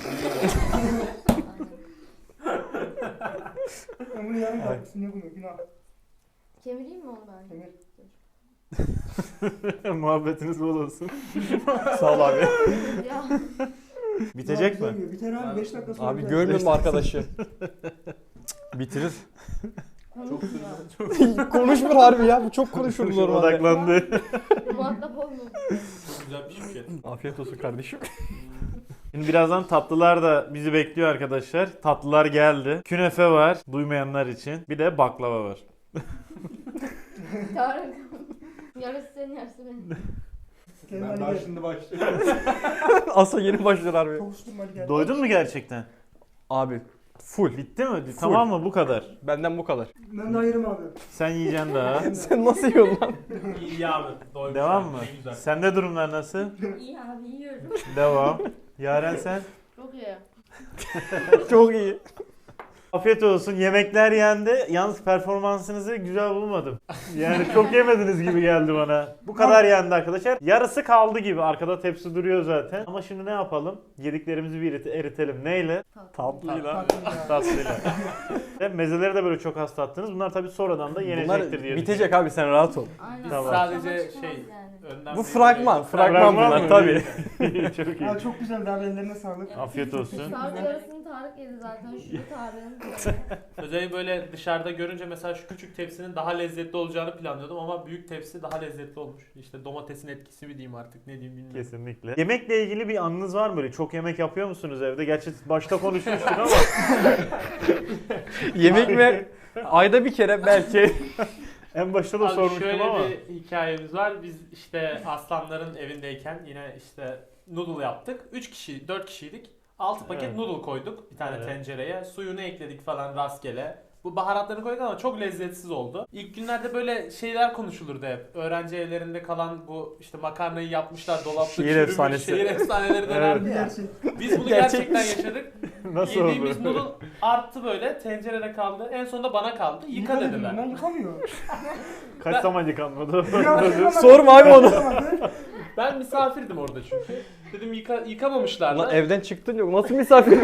[SPEAKER 4] Ben bunu yarın yapmışsın. Ne bunu? Günah.
[SPEAKER 2] Kemireyim mi onu ben?
[SPEAKER 4] Kemir.
[SPEAKER 1] Muhabbetiniz bol olsun.
[SPEAKER 7] Sağ ol abi.
[SPEAKER 2] Ya.
[SPEAKER 1] Bitecek
[SPEAKER 4] Daha
[SPEAKER 1] mi?
[SPEAKER 4] güzel yiyor. Biter abi 5 dakika sonra.
[SPEAKER 7] Abi
[SPEAKER 4] biter.
[SPEAKER 7] görmüyor musun arkadaşı? Bitirir. Konuşmuyor harbi ya. Bu çok konuşur normalde.
[SPEAKER 1] Odaklandı.
[SPEAKER 2] Muhatap olmuyor.
[SPEAKER 3] çok güzel bir şirket.
[SPEAKER 7] Afiyet olsun kardeşim.
[SPEAKER 1] Şimdi birazdan tatlılar da bizi bekliyor arkadaşlar. Tatlılar geldi. Künefe var duymayanlar için. Bir de baklava var.
[SPEAKER 2] Tarık. Yarısı senin yarısı benim.
[SPEAKER 4] Kerim
[SPEAKER 6] Ben
[SPEAKER 4] Ali
[SPEAKER 6] daha
[SPEAKER 4] gel.
[SPEAKER 6] şimdi başlıyorum.
[SPEAKER 7] Asla yeni başlar harbi.
[SPEAKER 4] Tavuştum hadi gel.
[SPEAKER 1] Doydun mu gerçekten?
[SPEAKER 7] Abi full.
[SPEAKER 1] Bitti mi? Tamam mı? Bu kadar.
[SPEAKER 7] Benden bu kadar.
[SPEAKER 4] Ben daha yerim abi.
[SPEAKER 1] Sen yiyeceksin daha.
[SPEAKER 7] Sen nasıl yiyorsun lan?
[SPEAKER 3] İyi abi. Doymuş
[SPEAKER 1] Devam
[SPEAKER 3] abi,
[SPEAKER 1] mı?
[SPEAKER 3] ne güzel.
[SPEAKER 1] Sende durumlar nasıl?
[SPEAKER 5] İyi abi yiyorum.
[SPEAKER 1] Devam. Yaren sen?
[SPEAKER 2] Çok iyi.
[SPEAKER 7] Çok iyi.
[SPEAKER 1] Afiyet olsun. Yemekler yendi. Yalnız performansınızı güzel bulmadım. Yani çok yemediniz gibi geldi bana. Bu kadar yendi arkadaşlar. Yarısı kaldı gibi. Arkada tepsi duruyor zaten. Ama şimdi ne yapalım? Yediklerimizi bir eritelim. Neyle?
[SPEAKER 7] Tatlıyla.
[SPEAKER 1] Tatlıyla. Ve mezeleri de böyle çok az tattınız. Bunlar tabii sonradan da yenecektir
[SPEAKER 7] Bunlar
[SPEAKER 1] diye
[SPEAKER 7] bitecek abi sen rahat ol.
[SPEAKER 2] Aynen.
[SPEAKER 3] Biz
[SPEAKER 1] Tamam.
[SPEAKER 3] sadece
[SPEAKER 2] Ama çıkmaz
[SPEAKER 3] şey
[SPEAKER 2] yani.
[SPEAKER 3] önden
[SPEAKER 7] Bu
[SPEAKER 3] bir-
[SPEAKER 7] fragman. Fragman bunlar
[SPEAKER 1] mı?
[SPEAKER 7] tabii.
[SPEAKER 1] Çok iyi.
[SPEAKER 4] Abi çok güzel. Daha ellerine sağlık.
[SPEAKER 1] Afiyet olsun.
[SPEAKER 2] Tarık yarısını Tarık yedi zaten. Şurada Tarık'ın.
[SPEAKER 3] Özellikle böyle dışarıda görünce mesela şu küçük tepsinin daha lezzetli olacağını planlıyordum ama büyük tepsi daha lezzetli olmuş. İşte domatesin etkisi mi diyeyim artık ne diyeyim bilmiyorum.
[SPEAKER 1] Kesinlikle. Yemekle ilgili bir anınız var mı böyle? Çok yemek yapıyor musunuz evde? Gerçi başta konuşmuştuk ama.
[SPEAKER 7] Yemek mi? Ayda bir kere belki.
[SPEAKER 1] En başta da
[SPEAKER 3] Abi
[SPEAKER 1] sormuştum
[SPEAKER 3] şöyle
[SPEAKER 1] ama.
[SPEAKER 3] bir hikayemiz var. Biz işte Aslanların evindeyken yine işte noodle yaptık. 3 kişi, 4 kişiydik. 6 paket
[SPEAKER 1] Evet.
[SPEAKER 3] noodle koyduk bir tane
[SPEAKER 1] Evet.
[SPEAKER 3] tencereye. Suyunu ekledik falan rastgele. Bu baharatlarını koyduk ama çok lezzetsiz oldu. İlk günlerde böyle şeyler konuşulurdu hep. Öğrenci evlerinde kalan bu işte makarnayı yapmışlar dolapta
[SPEAKER 7] Şehir
[SPEAKER 3] çürümüş,
[SPEAKER 7] efsanesi.
[SPEAKER 3] şehir efsaneleri dönerdi ya.
[SPEAKER 4] Gerçek.
[SPEAKER 3] Biz bunu
[SPEAKER 7] Gerçekmiş.
[SPEAKER 3] gerçekten yaşadık.
[SPEAKER 1] Nasıl
[SPEAKER 3] Yediğimiz
[SPEAKER 1] oldu?
[SPEAKER 3] noodle arttı böyle tencerede kaldı. En sonunda bana kaldı. Yıka
[SPEAKER 4] dedim
[SPEAKER 3] dediler.
[SPEAKER 4] ben yıkamıyor.
[SPEAKER 1] Kaç zaman yıkanmadı?
[SPEAKER 7] Sorma abi onu.
[SPEAKER 3] Ben misafirdim orada çünkü. Dedim yıkamamışlar
[SPEAKER 7] Lan
[SPEAKER 3] da.
[SPEAKER 7] evden çıktın yok. Nasıl misafir?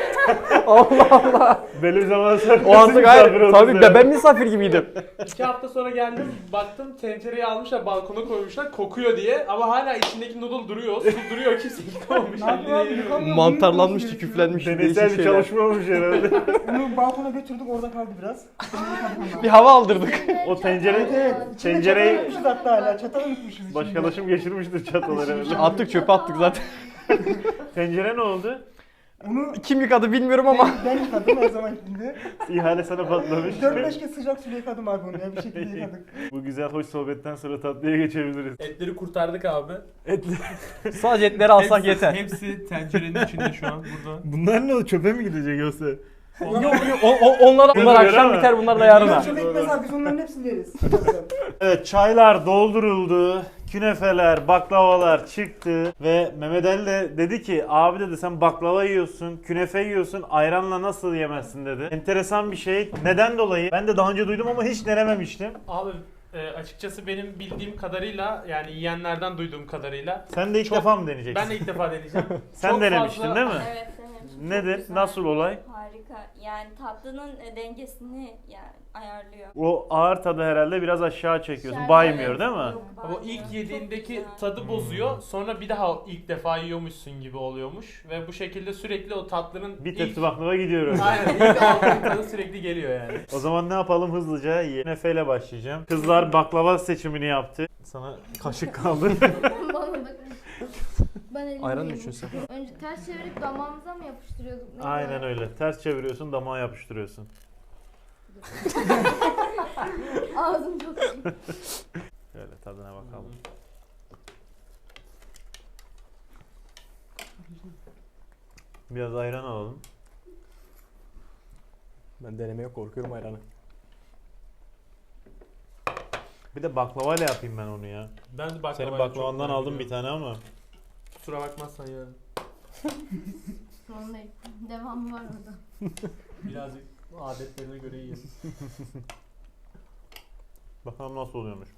[SPEAKER 7] Allah Allah.
[SPEAKER 1] Belli bir zaman sonra
[SPEAKER 7] O artık
[SPEAKER 1] misafir
[SPEAKER 7] hayır.
[SPEAKER 1] oldunuz
[SPEAKER 7] Tabii
[SPEAKER 1] yani.
[SPEAKER 7] ben misafir gibiydim.
[SPEAKER 3] 2 hafta sonra geldim baktım tencereyi almışlar balkona koymuşlar kokuyor diye ama hala içindeki noodle duruyor su duruyor kimse yıkamamış.
[SPEAKER 4] Ne yapıyor abi? Yıkamıyor.
[SPEAKER 7] Mantarlanmıştı,
[SPEAKER 4] Bunu
[SPEAKER 7] küflenmiş.
[SPEAKER 1] Deneysel
[SPEAKER 7] Değişik
[SPEAKER 1] bir
[SPEAKER 7] şeyler.
[SPEAKER 1] çalışma olmuş herhalde.
[SPEAKER 4] Bunu balkona götürdük orada kaldı biraz.
[SPEAKER 7] Bir hava aldırdık.
[SPEAKER 1] O tencere-
[SPEAKER 4] Evet. İçine
[SPEAKER 1] Tencereyi-
[SPEAKER 4] çatalı unutmuşuz hatta hala. Çatalı unutmuşuz içinde.
[SPEAKER 1] Başkalaşım geçirmiştir çataları herhalde.
[SPEAKER 7] Attık çöpe attık zaten.
[SPEAKER 1] Tencere ne oldu?
[SPEAKER 4] Onu
[SPEAKER 7] Kim yıkadı bilmiyorum ama.
[SPEAKER 4] ben yıkadım her zaman gittiğinde.
[SPEAKER 1] İhale sana patlamış.
[SPEAKER 4] 4-5 kez sıcak suyla yıkadım abi onu ya bir şekilde yıkadık.
[SPEAKER 1] Bu güzel hoş sohbetten sonra tatlıya geçebiliriz.
[SPEAKER 3] Etleri kurtardık abi.
[SPEAKER 7] Sadece etleri alsak yeter.
[SPEAKER 3] Hepsi tencerenin içinde şu an burada.
[SPEAKER 1] Bunlar ne oldu? Çöpe mi gidecek yoksa?
[SPEAKER 7] Yok yok onlar akşam biter bunlar da yarına.
[SPEAKER 4] Bunlar çok ekmez abi biz onların hepsini yeriz.
[SPEAKER 1] Evet çaylar dolduruldu. Künefeler, baklavalar çıktı ve Mehmet Ali de dedi ki abi dedi sen baklava yiyorsun, künefe yiyorsun, ayranla nasıl yemezsin dedi. Enteresan bir şey. Neden dolayı? Ben de daha önce duydum ama hiç denememiştim.
[SPEAKER 3] Abi açıkçası benim bildiğim kadarıyla yani yiyenlerden duyduğum kadarıyla
[SPEAKER 1] Sen de ilk
[SPEAKER 3] Çok-
[SPEAKER 1] defa mı deneyeceksin?
[SPEAKER 3] ben de ilk defa deneyeceğim.
[SPEAKER 1] Sen
[SPEAKER 3] Çok
[SPEAKER 1] denemiştin
[SPEAKER 3] fazla-
[SPEAKER 1] değil mi?
[SPEAKER 5] Evet denemiştim.
[SPEAKER 1] Nedir?
[SPEAKER 5] Çok güzel.
[SPEAKER 1] Nasıl olay?
[SPEAKER 5] Harika. Yani tatlının dengesini yani ayarlıyor.
[SPEAKER 1] O ağır tadı herhalde biraz aşağı çekiyorsun.
[SPEAKER 2] Şerbet.
[SPEAKER 1] Baymıyor değil mi?
[SPEAKER 5] Yok,
[SPEAKER 3] Ama
[SPEAKER 5] bayağı.
[SPEAKER 3] ilk
[SPEAKER 5] Çok
[SPEAKER 3] yediğindeki
[SPEAKER 5] güzel.
[SPEAKER 3] tadı bozuyor. Sonra bir daha ilk defa yiyormuşsun gibi oluyormuş. Ve bu şekilde sürekli o tatlının
[SPEAKER 1] Bir
[SPEAKER 3] ilk...
[SPEAKER 1] tepsi baklava gidiyoruz.
[SPEAKER 3] Aynen ilk aldığın tadı sürekli geliyor yani.
[SPEAKER 1] O zaman ne yapalım hızlıca? Künefeyle başlayacağım. Kızlar baklava seçimini yaptı. Sana kaşık kaldı.
[SPEAKER 2] Bana bakın. Ben elimi
[SPEAKER 7] Ayran mı
[SPEAKER 2] yiyeyim.
[SPEAKER 7] içiyorsun sen?
[SPEAKER 2] Önce ters çevirip damağımıza mı yapıştırıyorduk? Neydi
[SPEAKER 1] Aynen
[SPEAKER 2] o?
[SPEAKER 1] öyle. Ters çeviriyorsun, damağa yapıştırıyorsun.
[SPEAKER 2] Ağzım çok iyi.
[SPEAKER 1] Şöyle tadına bakalım. Biraz ayran alalım.
[SPEAKER 6] Ben denemeye korkuyorum ayranı.
[SPEAKER 1] Bir de baklavayla yapayım ben onu ya.
[SPEAKER 3] Ben de baklavayla
[SPEAKER 1] Senin
[SPEAKER 3] çok
[SPEAKER 1] baklavandan
[SPEAKER 3] merak
[SPEAKER 1] aldım bir
[SPEAKER 3] ediyorum.
[SPEAKER 1] tane ama.
[SPEAKER 3] Kusura bakmazsan yani.
[SPEAKER 2] Sorun değil. Devamı var orada.
[SPEAKER 3] Birazcık adetlerine göre yiyelim.
[SPEAKER 1] Bakalım nasıl oluyormuş.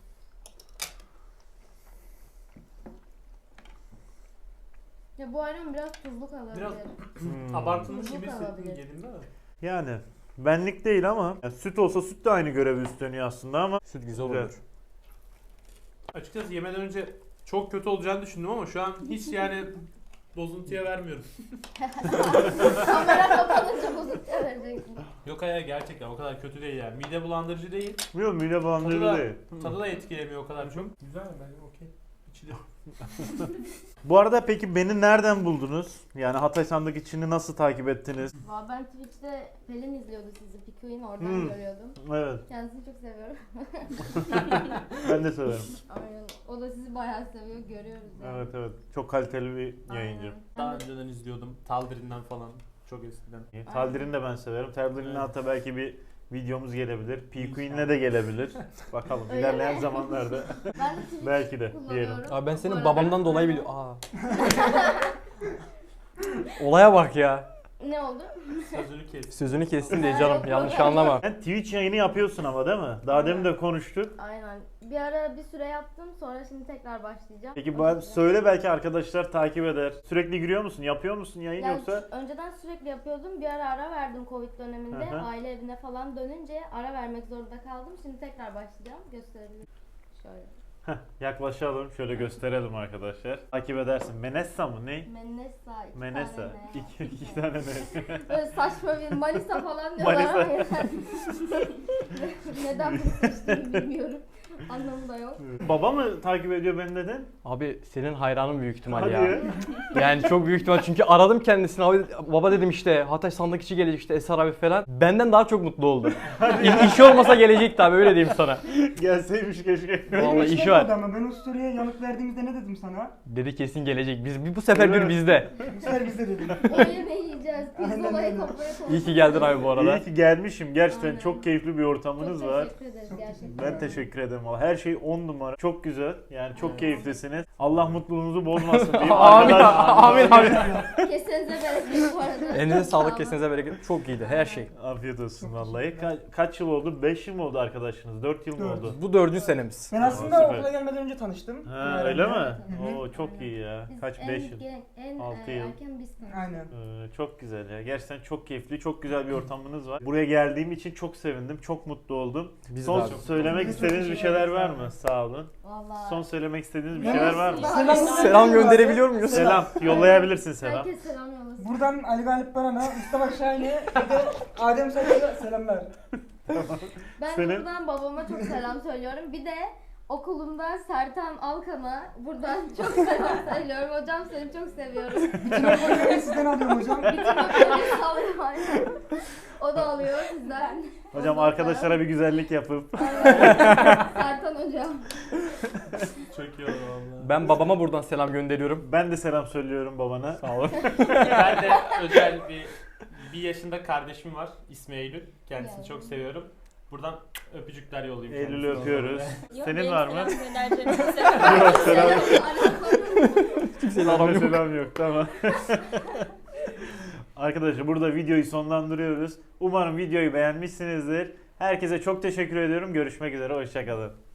[SPEAKER 2] Ya bu ayran biraz tuzlu kalabilir.
[SPEAKER 3] Biraz
[SPEAKER 1] Hmm.
[SPEAKER 3] abartılmış
[SPEAKER 2] Tuzlu
[SPEAKER 3] gibi hissettim
[SPEAKER 2] kalabilir.
[SPEAKER 3] yediğimde de.
[SPEAKER 1] Yani benlik değil ama yani süt olsa süt de aynı görevi üstleniyor aslında ama
[SPEAKER 6] Süt güzel
[SPEAKER 1] Güzel.
[SPEAKER 6] olur.
[SPEAKER 3] Açıkçası yemeden önce çok kötü olacağını düşündüm ama şu an hiç yani bozuntuya vermiyorum.
[SPEAKER 2] Kamera kapanınca bozuntuya vereceksin.
[SPEAKER 3] Yok hayır gerçekten o kadar kötü değil yani. Mide bulandırıcı değil.
[SPEAKER 1] bilmiyorum mide bulandırıcı
[SPEAKER 3] Tadı da-
[SPEAKER 1] değil.
[SPEAKER 3] Tadı da etkilemiyor o kadar çok. Güzel bence okey. İçilir.
[SPEAKER 1] Bu arada peki beni nereden buldunuz? Yani Hatay Sandık içini nasıl takip ettiniz?
[SPEAKER 2] Valla ben Twitch'te Pelin izliyordu sizi. Pikuin oradan
[SPEAKER 1] Hmm.
[SPEAKER 2] görüyordum.
[SPEAKER 1] Evet,
[SPEAKER 2] Kendisini çok seviyorum.
[SPEAKER 1] ben de severim.
[SPEAKER 2] Aynen. O da sizi bayağı seviyor. Görüyoruz yani.
[SPEAKER 1] Evet evet, çok kaliteli bir yayıncı.
[SPEAKER 2] Aynen.
[SPEAKER 3] Daha
[SPEAKER 2] Ben de-
[SPEAKER 3] önceden izliyordum. Taldirin'den falan. Çok eskiden.
[SPEAKER 1] Taldirin'i de ben severim. Taldirin'le
[SPEAKER 3] Evet.
[SPEAKER 1] hatta belki bir videomuz gelebilir. P-Queen'le de gelebilir. Bakalım
[SPEAKER 2] Öyle
[SPEAKER 1] ilerleyen
[SPEAKER 2] mi?
[SPEAKER 1] zamanlarda.
[SPEAKER 2] Ben de Twitch
[SPEAKER 1] Belki de
[SPEAKER 2] kullanıyorum.
[SPEAKER 1] diyelim.
[SPEAKER 6] Abi ben
[SPEAKER 2] Bu
[SPEAKER 6] senin
[SPEAKER 2] arada.
[SPEAKER 6] babamdan dolayı biliyorum. Aa. Olaya bak ya.
[SPEAKER 2] Ne oldu?
[SPEAKER 3] Sözünü kes.
[SPEAKER 6] Sözünü kestim diye canım. Yanlış anlama.
[SPEAKER 1] Sen Twitch yayını yapıyorsun ama değil mi? Daha demin de konuştuk.
[SPEAKER 2] Aynen. Bir ara bir süre yaptım. Sonra şimdi tekrar başlayacağım.
[SPEAKER 1] Peki söyle belki arkadaşlar takip eder. Sürekli giriyor musun? Yapıyor musun yayın
[SPEAKER 2] Yani
[SPEAKER 1] yoksa?
[SPEAKER 2] önceden sürekli yapıyordum. Bir ara verdim Covid döneminde.
[SPEAKER 1] Hı hı.
[SPEAKER 2] Aile evine falan dönünce ara vermek zorunda kaldım. Şimdi tekrar başlayacağım. Gösterebilirim. Şöyle.
[SPEAKER 1] Yaklaşalım. Şöyle gösterelim arkadaşlar. Takip edersin. Menessa mı? Ne?
[SPEAKER 2] Menessa. iki
[SPEAKER 1] Menessa.
[SPEAKER 2] tane ne?
[SPEAKER 1] İki tane ne?
[SPEAKER 2] Böyle saçma bir Manisa falan diyorlar
[SPEAKER 1] Manisa.
[SPEAKER 2] ama yani. Neden bunu seçtiğimi bilmiyorum. Anlamı da yok.
[SPEAKER 1] Baba mı takip ediyor beni dedin?
[SPEAKER 6] Abi senin hayranın büyük ihtimal
[SPEAKER 1] Hadi
[SPEAKER 6] ya.
[SPEAKER 1] ya.
[SPEAKER 6] Yani çok büyük ihtimal çünkü aradım kendisini abi baba dedim işte Hatay Sandık içi gelecek işte Eser abi falan. Benden daha çok mutlu oldu. İşi olmasa gelecekti abi öyle diyeyim sana.
[SPEAKER 1] Gelseymiş keşke.
[SPEAKER 6] Vallahi
[SPEAKER 4] Hiç
[SPEAKER 6] işi var.
[SPEAKER 4] demedi ama ben o story'e yanıt verdiğimizde ne dedim sana?
[SPEAKER 6] Dedi kesin gelecek. Biz bu sefer
[SPEAKER 1] Evet.
[SPEAKER 6] bir bizde.
[SPEAKER 4] Bu sefer bizde dedim.
[SPEAKER 2] O yemeği yiyeceğiz.
[SPEAKER 4] Aynen
[SPEAKER 2] Pirzolayı
[SPEAKER 4] öyle.
[SPEAKER 2] kafaya koyacağız.
[SPEAKER 6] İyi ki geldin abi bu arada.
[SPEAKER 1] İyi ki gelmişim. Gerçekten
[SPEAKER 2] Aynen.
[SPEAKER 1] çok keyifli bir ortamınız
[SPEAKER 2] Çok
[SPEAKER 1] var.
[SPEAKER 2] teşekkür ederiz
[SPEAKER 4] Çok
[SPEAKER 2] gerçekten.
[SPEAKER 1] Ben teşekkür ederim. Vallahi her şey 10 numara. Çok güzel. Yani çok keyiflisiniz. Allah mutluluğunuzu bozmasın diyeyim.
[SPEAKER 6] Amin
[SPEAKER 1] Arkadaş-
[SPEAKER 6] amin amin.
[SPEAKER 2] Kesenize bereket bu arada.
[SPEAKER 6] Elinize
[SPEAKER 2] Sağ olun.
[SPEAKER 6] sağlık kesinize bereket. Çok iyiydi her şey.
[SPEAKER 1] Afiyet olsun vallahi. Kaç yıl oldu? 5 yıl mı oldu arkadaşınız? 4 yıl mı
[SPEAKER 4] Dört.
[SPEAKER 1] oldu?
[SPEAKER 6] Bu 4. senemiz.
[SPEAKER 4] Ben aslında
[SPEAKER 1] Süper.
[SPEAKER 4] okula gelmeden önce tanıştım.
[SPEAKER 1] Ha, öyle mi?
[SPEAKER 4] Hı hı.
[SPEAKER 1] Oo çok iyi ya.
[SPEAKER 2] Biz
[SPEAKER 1] Kaç
[SPEAKER 2] en
[SPEAKER 1] 5 yıl?
[SPEAKER 2] En
[SPEAKER 1] 6 yıl.
[SPEAKER 2] erken biz tanıştık.
[SPEAKER 4] Aynen.
[SPEAKER 1] Çok güzel ya. Gerçekten çok keyifli, çok güzel bir ortamınız var. Buraya geldiğim için çok sevindim, çok mutlu oldum.
[SPEAKER 6] Biz de
[SPEAKER 1] Son
[SPEAKER 6] abi.
[SPEAKER 1] söylemek
[SPEAKER 4] Biz de çok
[SPEAKER 1] istediğiniz bir
[SPEAKER 4] teşekkür
[SPEAKER 1] şeyler
[SPEAKER 4] ederiz
[SPEAKER 1] var
[SPEAKER 4] abi.
[SPEAKER 1] mı? Sağ olun.
[SPEAKER 2] Vallahi.
[SPEAKER 1] Son söylemek istediğiniz bir
[SPEAKER 4] Ben
[SPEAKER 1] şeyler var mı?
[SPEAKER 6] Selam gönderebiliyor muyuz?
[SPEAKER 1] Selam. Yollayabilirsin selam.
[SPEAKER 2] Herkes selam yollasın.
[SPEAKER 4] Buradan Ali Galip Baran'a, Mustafa Şahin'e ve de Adem Sakal'a selamlar.
[SPEAKER 2] Ben
[SPEAKER 1] Senin-
[SPEAKER 2] buradan babama çok selam söylüyorum. Bir de okulumda Sertan Alkan'a buradan çok selam söylüyorum. Hocam seni çok seviyorum.
[SPEAKER 4] Bütün öpücükleri sizden alıyorum hocam.
[SPEAKER 2] Bütün öpücükleri sağlıyorum aynen. O da alıyor sizden.
[SPEAKER 1] Hocam
[SPEAKER 2] Ondan
[SPEAKER 1] arkadaşlara bir güzellik yapıp.
[SPEAKER 2] Aynen. Sertan hocam.
[SPEAKER 3] Çok iyi oldu valla.
[SPEAKER 6] Ben babama buradan selam gönderiyorum.
[SPEAKER 1] Ben de selam söylüyorum babana.
[SPEAKER 6] Sağ olun.
[SPEAKER 3] Ben de özel bir yaşında kardeşim var. İsmi Eylül. Kendisini
[SPEAKER 2] Yani.
[SPEAKER 3] çok seviyorum. Buradan öpücükler yollayayım.
[SPEAKER 1] Eylül'ü
[SPEAKER 3] kendisine.
[SPEAKER 1] öpüyoruz.
[SPEAKER 5] Yok,
[SPEAKER 1] Senin
[SPEAKER 5] benim
[SPEAKER 1] var mı?
[SPEAKER 5] selam göndereceğim kimse
[SPEAKER 1] Yok selam.
[SPEAKER 6] Kimseyle
[SPEAKER 1] Bende
[SPEAKER 6] aram yok.
[SPEAKER 1] selam yok tamam. Arkadaşlar burada videoyu sonlandırıyoruz. Umarım videoyu beğenmişsinizdir. Herkese çok teşekkür ediyorum. Görüşmek üzere. Hoşçakalın.